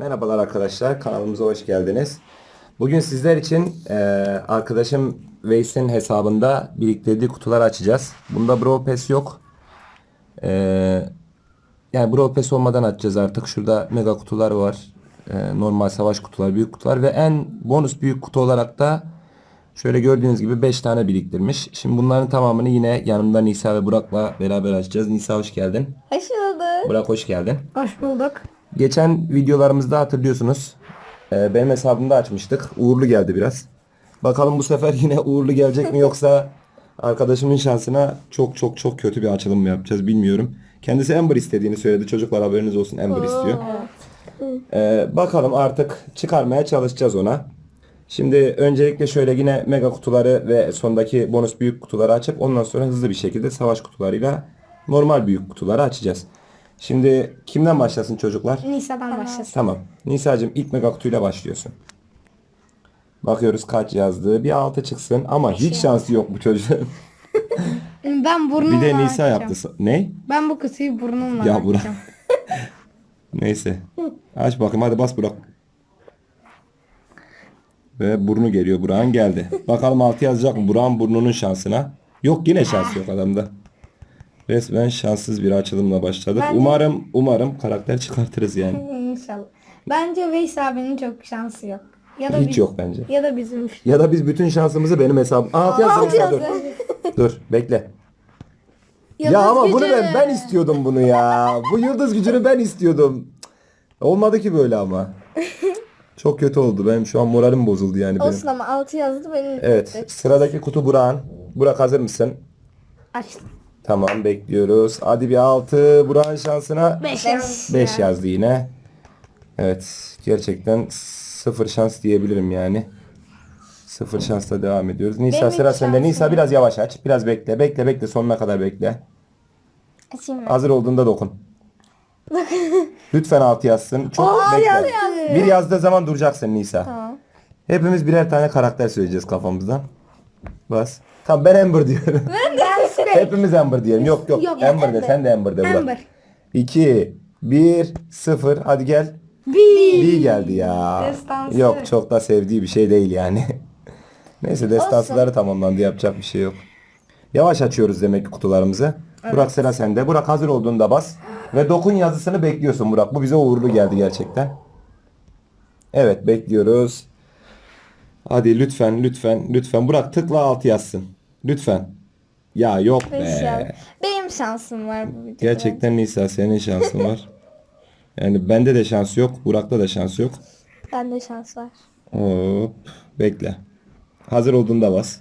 Merhabalar arkadaşlar, kanalımıza hoş geldiniz. Bugün sizler için arkadaşım Veys'in hesabında biriktirdiği kutuları açacağız. Bunda Brawl Pass yok. Eee, yani Brawl Pass olmadan açacağız artık. Şurada mega kutular var. Normal savaş kutular, büyük kutular ve en bonus büyük kutu olarak da şöyle gördüğünüz gibi 5 tane biriktirmiş. Şimdi bunların tamamını yine yanımda Nisa ve Burak'la beraber açacağız. Nisa hoş geldin. Hoş bulduk. Burak hoş geldin. Hoş bulduk. Geçen videolarımızda hatırlıyorsunuz. Benim hesabımda açmıştık. Uğurlu geldi biraz. Bakalım bu sefer yine uğurlu gelecek mi yoksa arkadaşımın şansına çok çok çok kötü bir açılım mı yapacağız bilmiyorum. Kendisi Amber istediğini söyledi. Çocuklar haberiniz olsun, Amber istiyor. Bakalım artık çıkarmaya çalışacağız ona. Şimdi öncelikle şöyle yine mega kutuları ve sondaki bonus büyük kutuları açıp ondan sonra hızlı bir şekilde savaş kutularıyla normal büyük kutuları açacağız. Şimdi kimden başlasın çocuklar? Nisa'dan başlasın. Tamam. Nisa'cığım ilk mega kutuyla başlıyorsun. Bakıyoruz kaç yazdı. Bir 6 çıksın ama hiç şansı yok bu çocuğun. Ben burnumla Bir de Nisa açacağım. yaptı. Ne? Ben bu kutuyu burnumla Ya Burak. açacağım. Neyse. Aç bakayım hadi bas Burak. Ve burnu geliyor. Burak'ın geldi. Bakalım 6 yazacak mı? Burak'ın burnunun şansına. Yok yine şans yok adamda. Resmen şanssız bir açılımla başladık. Umarım karakter çıkartırız yani. İnşallah. Bence Veys abinin çok şansı yok. Ya da Hiç yok bence. Ya da bizim. Ya da biz bütün şansımızı benim hesabım. 6 yazdım. Dur. Dur bekle. Ya ama bunu ben istiyordum bunu ya. Bu yıldız gücünü ben istiyordum. Cık, olmadı ki böyle ama. Çok kötü oldu. Benim şu an moralim bozuldu yani benim. Olsun ama 6 yazdı benim. Evet. Sıradaki kutu Burak'ın. Burak hazır mısın? Açtım. Tamam bekliyoruz. Hadi bir 6. Burak'ın şansına 5 5 yazdı yine. Evet. Gerçekten sıfır şans diyebilirim yani. Sıfır şansla devam ediyoruz. Nisa Benim sıra hiç sende. şansım Nisa biraz yavaş aç. Biraz bekle. Bekle sonuna kadar bekle. Açayım mı? Hazır olduğunda dokun. Lütfen 6 yazsın. Çok bekle. Bir yazdığı zaman duracaksın Nisa. Tamam. Hepimiz birer tane karakter söyleyeceğiz kafamızdan. Bas. Tamam ben Amber diyorum. Hepimiz Amber diyelim. Yok Yok, Amber de sen de Amber de Burak. Amber. 2 1 0 hadi gel. Bir geldi ya. Destansı. Yok çok da sevdiği bir şey değil yani. Neyse destansıları tamamlandı, yapacak bir şey yok. Yavaş açıyoruz demek ki kutularımızı. Burak sıra sende. Burak hazır olduğunda bas. Ve dokun yazısını bekliyorsun Burak. Bu bize uğurlu geldi gerçekten. Evet bekliyoruz. Hadi lütfen. Burak tıkla 6 yazsın. Lütfen. Ya yok be. Benim şansım var bu videoda. Gerçekten Nisa senin şansın var. Yani bende de şans yok. Burak'ta da şans yok. Bende şans var. Hop. Bekle. Hazır olduğunda bas.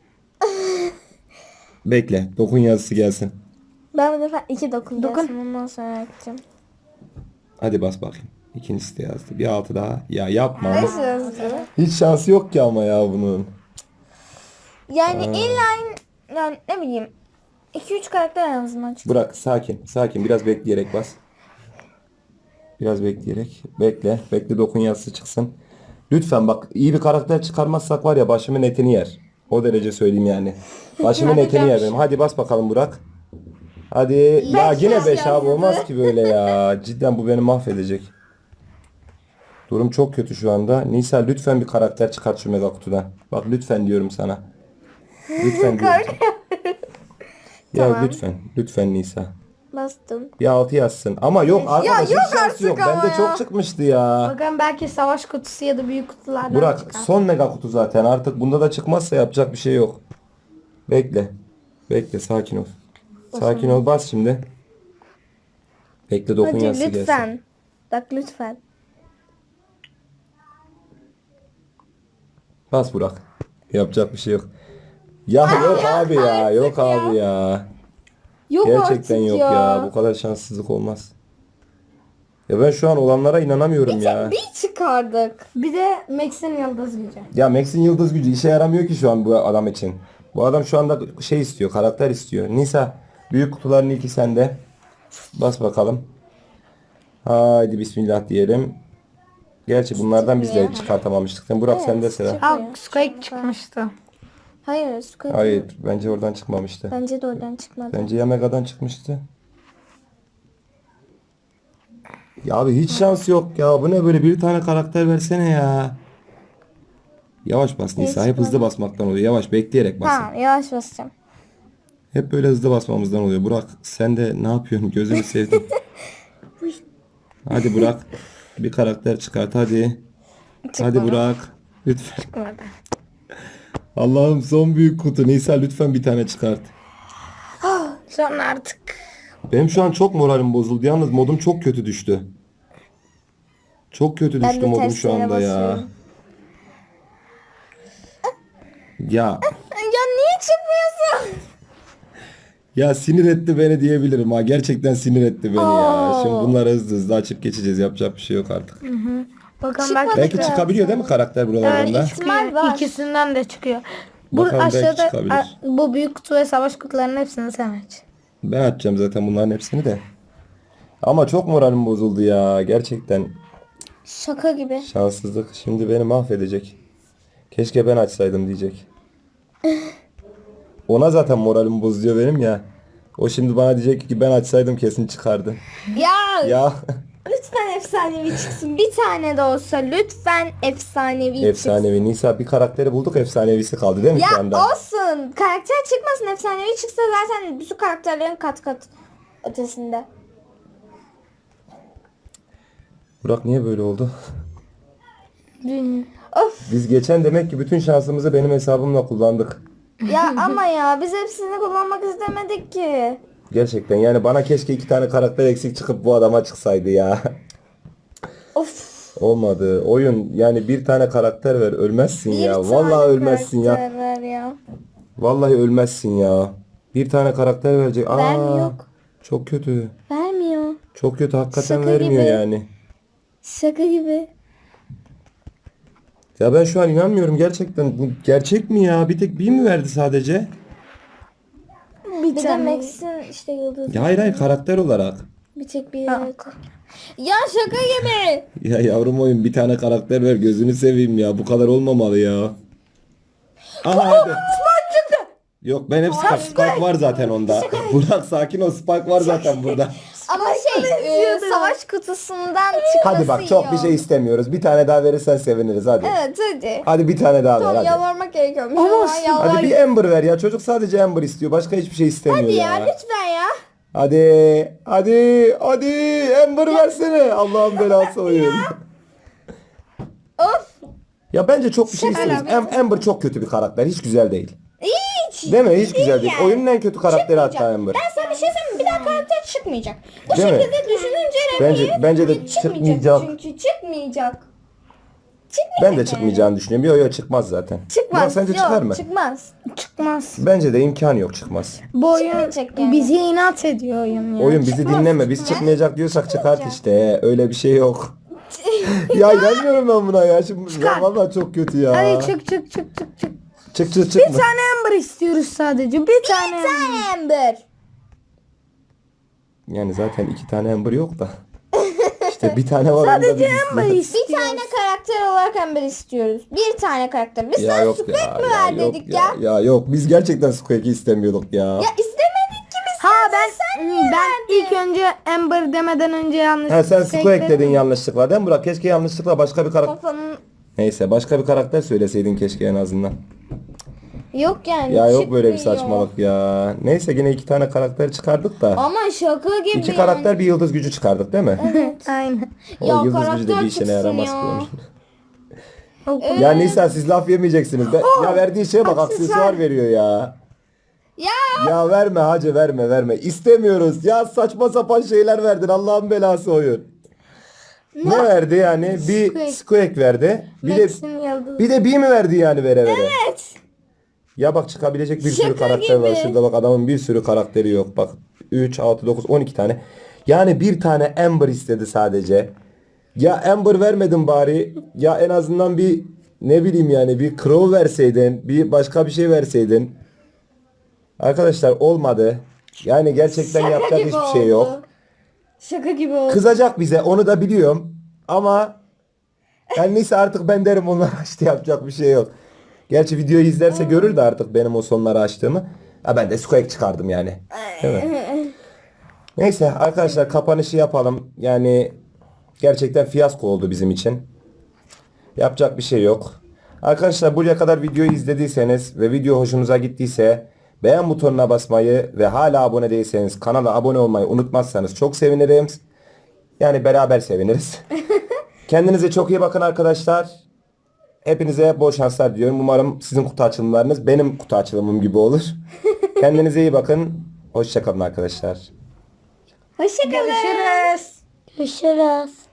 Bekle. Dokun yazısı gelsin. Ben bu defa 2 dokun. Ondan sonra açacağım. Hadi bas bakayım. İkincisi de yazdı. Bir 6 daha. Ya yapma. Beş yazdı. Hiç şansı yok ki ama ya bunun. Yani illa yani ne bileyim 2-3 karakter en azından çıktı. Burak sakin. Biraz bekleyerek bas. Biraz bekleyerek. Bekle dokun yazısı çıksın. Lütfen bak iyi bir karakter çıkarmazsak var ya başımın etini yer. O derece söyleyeyim yani. Başımın etini yer benim. Hadi bas bakalım Burak. Hadi. Ya yine 5 abi olmaz ki böyle ya. Cidden bu beni mahvedecek. Durum çok kötü şu anda. Nisa lütfen bir karakter çıkart şu mega kutudan. Bak lütfen diyorum sana. Lütfen diyorum sana. Ya Tamam. lütfen Nisa. Bastım. Bir 6 yazsın. Ama yok arkadaş yok hiç şansı artık yok. ama Bende ya. çok çıkmıştı ya. Bakın belki savaş kutusu ya da büyük kutulardan Burak çıkar. son mega kutu zaten. Artık bunda da çıkmazsa yapacak bir şey yok. Bekle sakin ol. Sakin ol bas şimdi. Bekle dokun Hadi yazısı gelsin. lütfen. Bak lütfen. Bas Burak. Yapacak bir şey yok. Ya yok abi ya. Yok abi ya. Yok Gerçekten artık yok ya. Bu kadar şanssızlık olmaz. Ya ben şu an olanlara inanamıyorum ya. Bir çıkardık. Bir de Max'in yıldız gücü. Ya Max'in yıldız gücü işe yaramıyor ki şu an bu adam için. Bu adam şu anda şey istiyor, karakter istiyor. Nisa, büyük kutuların ilki sende. Bas bakalım. Haydi bismillah diyelim. Gerçi bunlardan biz de çıkartamamıştık. Burak sende sıra. Squeak çıkmıştı. Hayır Squeak. Hayır, bence oradan çıkmamıştı. Bence de oradan çıkmadı. Bence ya Mega'dan çıkmıştı. Ya abi hiç şans yok ya. Bu ne böyle, bir tane karakter versene ya. Yavaş bas Nisa. Hep hızlı basmaktan oluyor. Yavaş bekleyerek basın. Tamam yavaş basacağım. Hep böyle hızlı basmamızdan oluyor. Burak sen de ne yapıyorsun? Gözünü sevdim. Hadi Burak. Bir karakter çıkart hadi. Hadi Burak. Lütfen. Çıkmadı. Allah'ım son büyük kutu. Nisa lütfen bir tane çıkart. Sonra artık. Benim şu an çok moralim bozuldu. Yalnız modum çok kötü düştü. Çok kötü Ben düştü de modum şu terslere anda ya. basıyorum. Ya Ya niye çıkmıyorsun? ya sinir etti beni diyebilirim ha. Gerçekten sinir etti beni ya. Şimdi bunları hızlı hızlı açıp geçeceğiz. Yapacak bir şey yok artık. Bakalım Çıkmadı. Belki Biraz çıkabiliyor değil mi karakter buralarında? Evet, İhtimal çıkıyor. var. İkisinden de çıkıyor. Bu Bakalım belki aşağıda çıkabilir. bu büyük kutu ve savaş kutularının hepsini sen aç. Ben açacağım zaten bunların hepsini de. Ama çok moralim bozuldu ya. Gerçekten Şaka gibi. şanssızlık. Şimdi beni mahvedecek. Keşke ben açsaydım diyecek. Ona zaten moralim bozuyor benim ya. O şimdi bana diyecek ki ben açsaydım kesin çıkardı. Ya Ya lütfen efsanevi çıksın. Bir tane de olsa lütfen efsanevi çıksın. efsanevi. Nisa bir karakteri bulduk, efsanevisi kaldı değil mi şu Ya anda? olsun. Karakter çıkmasın, efsanevi çıksa zaten bütün karakterlerin kat kat ötesinde. Burak niye böyle oldu? Of Biz geçen demek ki bütün şansımızı benim hesabımla kullandık. ya ama ya biz hepsini kullanmak istemedik ki. Gerçekten yani bana keşke 2 tane karakter eksik çıkıp bu adama çıksaydı ya. Of. Olmadı. Oyun yani bir tane karakter ver, ölmezsin Bir ya. tane Vallahi ölmezsin ya. karakter ver ya. Vallahi ölmezsin ya. Bir tane karakter verecek. Aa, Vermiyor. çok kötü. Vermiyor. Çok kötü, hakikaten Şaka vermiyor gibi. yani. Şaka gibi. Ya ben şu an inanmıyorum gerçekten. Bu gerçek mi ya? Bir tek bir mi verdi sadece? Bir de Max'in işte yıldız. Ya hayır karakter olarak. Bir tek bir yok. Ya şaka gibi. Ya yavrum oyun bir tane karakter ver, gözünü seveyim ya. Bu kadar olmamalı ya. Aha hadi. Yok ben hep Spike var zaten onda. Burak sakin ol, Spike var zaten burada. Ama savaş kutusundan çıkması Hadi bak çok iyi bir şey oldu. istemiyoruz. Bir tane daha verirsen seviniriz hadi. Evet hadi. Hadi bir tane daha ver Tamam hadi. yalvarmak gerekiyormuş. Ama Hadi bir Amber ver ya. Çocuk sadece Amber istiyor. Başka hiçbir şey istemiyor Hadi ya ya. lütfen ya. Hadi Amber versene. Allah'ın belası oyun. Of. Ya bence çok bir şey istemiyoruz. Amber çok kötü bir karakter. Hiç güzel değil. Hiç. Değil mi? Hiç güzel değil. yani. Oyunun en kötü karakteri hatta Amber. Ben sana bir şey söyleyeyim mi? Bir daha karakter çıkmayacak. Bu Değil mi? şekilde düşününce Bence de çıkmayacak. Çünkü çıkmayacak. Ben de çıkmayacağını düşünüyorum. Yok çıkmaz zaten. Çıkmaz. Burak, sence Yok, çıkar mı? Çıkmaz. Çıkmaz. Bence de imkanı yok, çıkmaz. Bu oyun Çıkmayacak yani. bizi inat ediyor oyun ya. Oyun bizi dinleme. Biz çıkmayacak diyorsak çıkart işte. Öyle bir şey yok. Ya inanmıyorum ben buna ya. Şimdi ya vallahi çok kötü ya. Hadi çık. Çık Bir mı? tane Amber istiyoruz sadece. Bir tane. Amber. Yani zaten 2 tane Amber yok da. İşte bir tane var. Sadece onda biz Amber istiyoruz. Bir istiyoruz. tane karakter olarak Amber istiyoruz. Bir tane karakter. Biz Ya sana yok Squeak ya. mi Ya ver yok dedik ya. ya. Ya yok. Biz gerçekten Squeak'i istemiyorduk ya. Ya istemedik ki biz. Ha ben ilk önce Amber demeden önce yanlış. Ha sen Squeak Squeak dedim. dedin yanlışlıkla değil mi Burak? Keşke yanlışlıkla başka bir karakter... Kafanın Neyse başka bir karakter söyleseydin keşke en azından. yok yani. Ya yok böyle bir çıkmıyor. saçmalık ya. Neyse yine 2 tane karakter çıkardık da. Ama şaka gibi 2 karakter bir yıldız gücü çıkardık değil mi? Aynen. O Ya yıldız gücü de karakter bir işine çıksın yaramaz ya. ki onun. Ya Nisa siz laf yemeyeceksiniz. Ya verdiği şeye bak, aksesuar veriyor ya. Ya Ya verme hacı, verme. İstemiyoruz. Ya saçma sapan şeyler verdin. Allah'ın belası oyun. Ne verdi yani? Bir Squeak verdi. Max'in yıldızı. Bir de bir mi verdi yani vere? evet. Ya bak çıkabilecek bir sürü Şaka karakter var. gibi. Şurada bak adamın bir sürü karakteri yok. Bak 3, 6, 9, 12 tane. Yani bir tane Amber istedi sadece. Ya Amber vermedin bari. Ya en azından bir ne bileyim yani bir Crow verseydin. Bir başka bir şey verseydin. Arkadaşlar olmadı. Yani gerçekten Şaka yapacak gibi hiçbir şey oldu. yok. Şaka gibi oldu. Kızacak bize, onu da biliyorum. Ama yani neyse artık ben derim onlar açtı, yapacak bir şey yok. Gerçi videoyu izlerse görür de artık benim o sonları açtığımı. Ha ben de Squeak çıkardım yani. Değil mi? Neyse arkadaşlar kapanışı yapalım. Yani Gerçekten fiyasko oldu bizim için. Yapacak bir şey yok. Arkadaşlar buraya kadar videoyu izlediyseniz ve video hoşunuza gittiyse beğen butonuna basmayı ve hala abone değilseniz kanala abone olmayı unutmazsanız çok sevinirim. Yani beraber seviniriz. Kendinize çok iyi bakın arkadaşlar. Hepinize bol şanslar diliyorum. Umarım sizin kutu açılımlarınız benim kutu açılımım gibi olur. Kendinize iyi bakın. Hoşça kalın arkadaşlar. Hoşçakalın. Görüşürüz. Görüşürüz.